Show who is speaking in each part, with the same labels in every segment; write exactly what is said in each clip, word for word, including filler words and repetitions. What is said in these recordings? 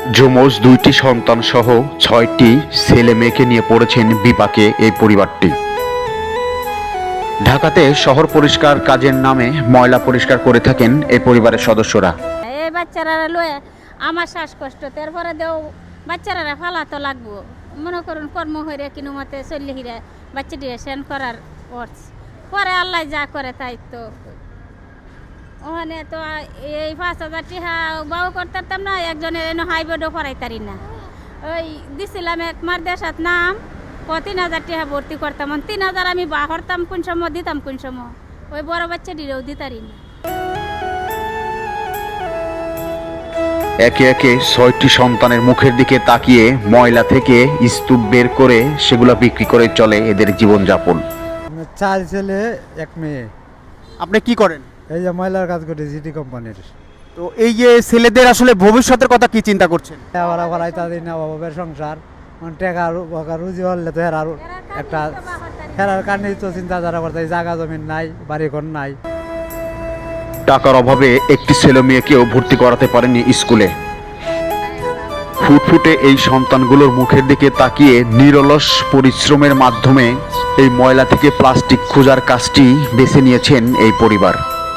Speaker 1: যমজ দুইটি সন্তান সহ ছয়টি ছেলে মেয়েকে নিয়ে পড়েছেন বিপাকে এই পরিবারটি। ঢাকাতে শহর পরিষ্কার কাজের নামে ময়লা পরিষ্কার করে থাকেন এই পরিবারের সদস্যরা।
Speaker 2: এই বাচ্চারা লয়ে আমার শ্বাসকষ্ট, তারপরে দেও বাচ্চারা ফালা তো লাগবো, মনে করুন কর্ম হইরে কিনু মতে চল্লি হিরে বাচ্চাটি সেন করার পরে আল্লাহ যা করে তাই। তো ওখানে তো এই পাঁচ হাজার টিহা বাউ করতাম না, একজনের এনে হাইবোর্ডও পড়াইতারি না। ওই দিছিলাম এক মার দেশাত নাম ও তিন হাজার টিহা ভর্তি করতাম, তিন হাজার আমি বা হরতাম কোন সময় দিতাম কোন সময়, ওই বড় বাচ্চাটিরেও দিতারি না।
Speaker 1: একে একে ছয়টি সন্তানের মুখের দিকে তাকিয়ে ময়লা থেকে স্তূপ বের করে সেগুলো বিক্রি করে চলে এদের জীবনযাপন।
Speaker 3: চার ছেলে এক মেয়ে।
Speaker 4: আপনি কি করেন?
Speaker 3: এই যে ময়লার কাজ করি জিটি কোম্পানির।
Speaker 4: তো এই যে ছেলেদের আসলে ভবিষ্যতের কথা কি চিন্তা করছেন?
Speaker 3: ওরা করাই তাদের না অভাবের সংসার, মানে টাকা রুজি হলে তো হেরার একটা হেরার কারণেই তো চিন্তাধারা করতে, জায়গা জমিন নাই, বাড়ি ঘর নাই।
Speaker 1: টাকার অভাবে একটি ছেলে মেয়েকেও ভর্তি করাতে পারেনি স্কুলে। ফুটফুটে এই সন্তানগুলোর মুখের দিকে তাকিয়ে নিরলস পরিশ্রমের মাধ্যমে এই ময়লা থেকে প্লাস্টিক খোঁজার কাজটি বেছে নিয়েছেন এই পরিবার।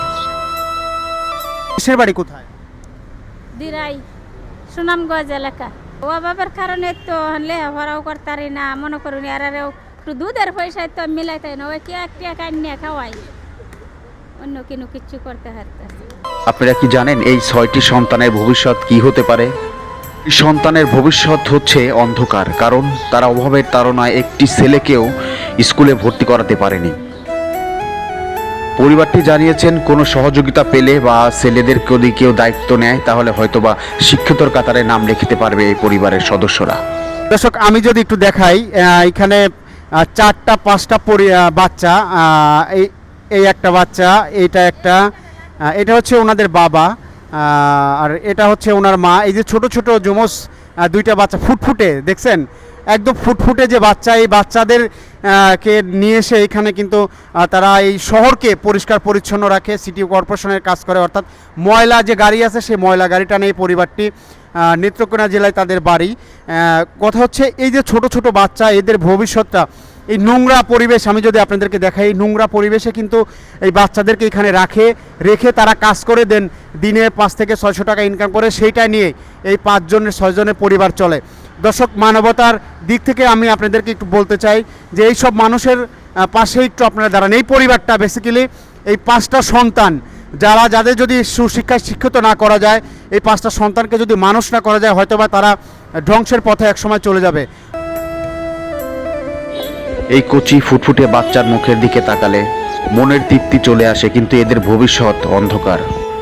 Speaker 4: দেশের বাড়ি কোথায়?
Speaker 2: দিরাই সুনামগঞ্জ এলাকা। অভাবের কারণে তো লেখাপড়াও করতারি না, মনে করুন এরারেও একটু দুধের পয়সায় তো মিলাইতাই না, ওই কি একটা কান্না খাওয়াই, অন্য কিনু কিচ্ছু করতে হারতেছে।
Speaker 1: আপনারা কি জানেন এই ছয়টি সন্তানের ভবিষ্যৎ কি হতে পারে? সন্তানের ভবিষ্যৎ হচ্ছে অন্ধকার, কারণ তারা অভাবের তাড়নায় একটি ছেলেকেও স্কুলে ভর্তি করাতে পারেনি। পরিবারটি জানিয়েছেন কোনো সহযোগিতা পেলে বা ছেলেদের যদি কেউ দায়িত্ব নেয় তাহলে হয়তোবা শিক্ষিতর কাতারে নাম লিখতে পারবে এই পরিবারের সদস্যরা।
Speaker 4: দর্শক, আমি যদি একটু দেখাই, এখানে চারটা পাঁচটা বাচ্চা, এই এই একটা বাচ্চা, এইটা একটা, এটা হচ্ছে ওনাদের বাবা, আর এটা হচ্ছে ওনার মা। এই যে ছোট ছোট যমজ দুইটা বাচ্চা ফুটফুটে দেখছেন, একদম ফুটফুটে যে বাচ্চা, এই বাচ্চাদের কে নিয়ে এসে এখানে কিন্তু তারা এই শহরকে পরিষ্কার পরিচ্ছন্ন রাখে, সিটি কর্পোরেশনের কাজ করে। অর্থাৎ ময়লা যে গাড়ি আছে সেই ময়লা গাড়িটা নিয়ে পরিবারটি নেত্রকোনা জেলায় তাদের বাড়ি। কথা হচ্ছে এই যে ছোট ছোট বাচ্চা, এদের ভবিষ্যৎটা এই নোংরা পরিবেশ, আমি যদি আপনাদেরকে দেখাই, এই নোংরা পরিবেশে কিন্তু এই বাচ্চাদেরকে এখানে রাখে রেখে তারা কাজ করে দেন, দিনে পাঁচ থেকে ছয়শো টাকা ইনকাম করে, সেইটা নিয়ে এই পাঁচজনের ছয়জনের পরিবার চলে। দর্শক, মানবতার দিক থেকে আমি আপনাদেরকে একটু বলতে চাই যে এই সব মানুষের পাশে একটু আপনারা দাঁড়ান। এই পরিবারটা বেসিক্যালি এই পাঁচটা সন্তান, যারা যাদের যদি সুশিক্ষায় শিক্ষিত না করা যায়, এই পাঁচটা সন্তানকে যদি মানুষ না করা যায়, হয়তোবা তারা ধ্বংসের পথে একসময় চলে যাবে।
Speaker 1: এই কচি ফুটফুটে বাচ্চার মুখের দিকে তাকালে মনের তৃপ্তি চলে আসে, কিন্তু এদের ভবিষ্যৎ অন্ধকার।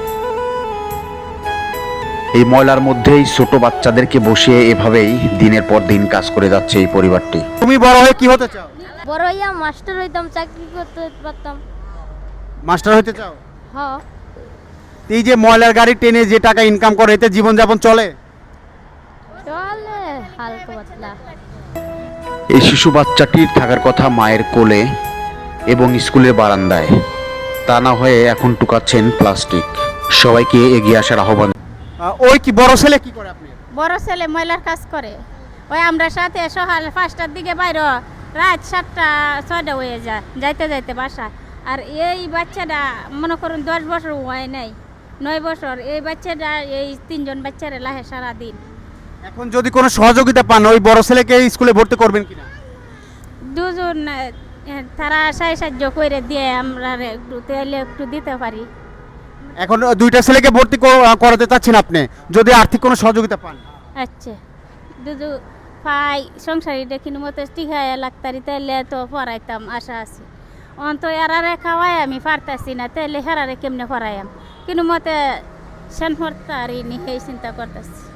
Speaker 1: এই ময়লার মধ্যেই ছোট বাচ্চাদেরকে বসিয়ে এভাবেই দিনের পর দিন কাজ করে যাচ্ছে এই পরিবারটি।
Speaker 4: তুমি বড় হয়ে কি হতে চাও?
Speaker 5: বড় হইয়া মাস্টার হইতাম, চাকরি করতে পারতাম।
Speaker 4: মাস্টার হতে চাও?
Speaker 5: হ্যাঁ।
Speaker 4: এই যে ময়লার গাড়ি টেনে যে টাকা ইনকাম করে, এতে জীবনযাপন চলে?
Speaker 5: চলে হালকা পাতলা।
Speaker 1: এই শিশু বাচ্চাটির থাকার কথা মায়ের কোলে এবং স্কুলের বারান্দায়, তা না হয়ে এখন টুকাচ্ছেন প্লাস্টিক। সবাইকে এগিয়ে আসার আহ্বান।
Speaker 4: ওই কি বড় ছেলে কি করে? আপনি?
Speaker 2: বড় ছেলে ময়লার কাজ করে, ওই আমরা সাথে সকাল পাঁচটার দিকে বাইরে, রাত সাতটা ছয়টা হয়ে যায় যাইতে যাইতে বাসা। আর এই বাচ্চাটা মনে করুন দশ বছর হয় নাই, নয় বছর, এই বাচ্চাটা এই তিনজন বাচ্চারা লাহে সারাদিন।
Speaker 4: এখন যদি কোনো সহযোগিতা পান, ওই বড় ছেলেকে স্কুলে ভর্তি করবেন কিনা?
Speaker 2: দুজন তারা সাই সাহায্য করে দিয়ে আমরা একটু তেলে একটু দিতে পারি।
Speaker 4: এখন দুইটা ছেলেকে ভর্তি করাতে চাচ্ছেন আপনি, যদি আর্থিক কোনো সহযোগিতা পান?
Speaker 2: আচ্ছা, দুদু পাই সংসারী দেখিন মতো টিকায় লাগতারি, তাইলে তো পড়াইতাম, আশা আছে। অন্ত এরারে খাওয়াই আমি পারতাছি না, তাইলে হেরারে কেমনে পড়াইম, কিন্তু মতে সেন পড়তারি নি, সেই চিন্তা করতেছি।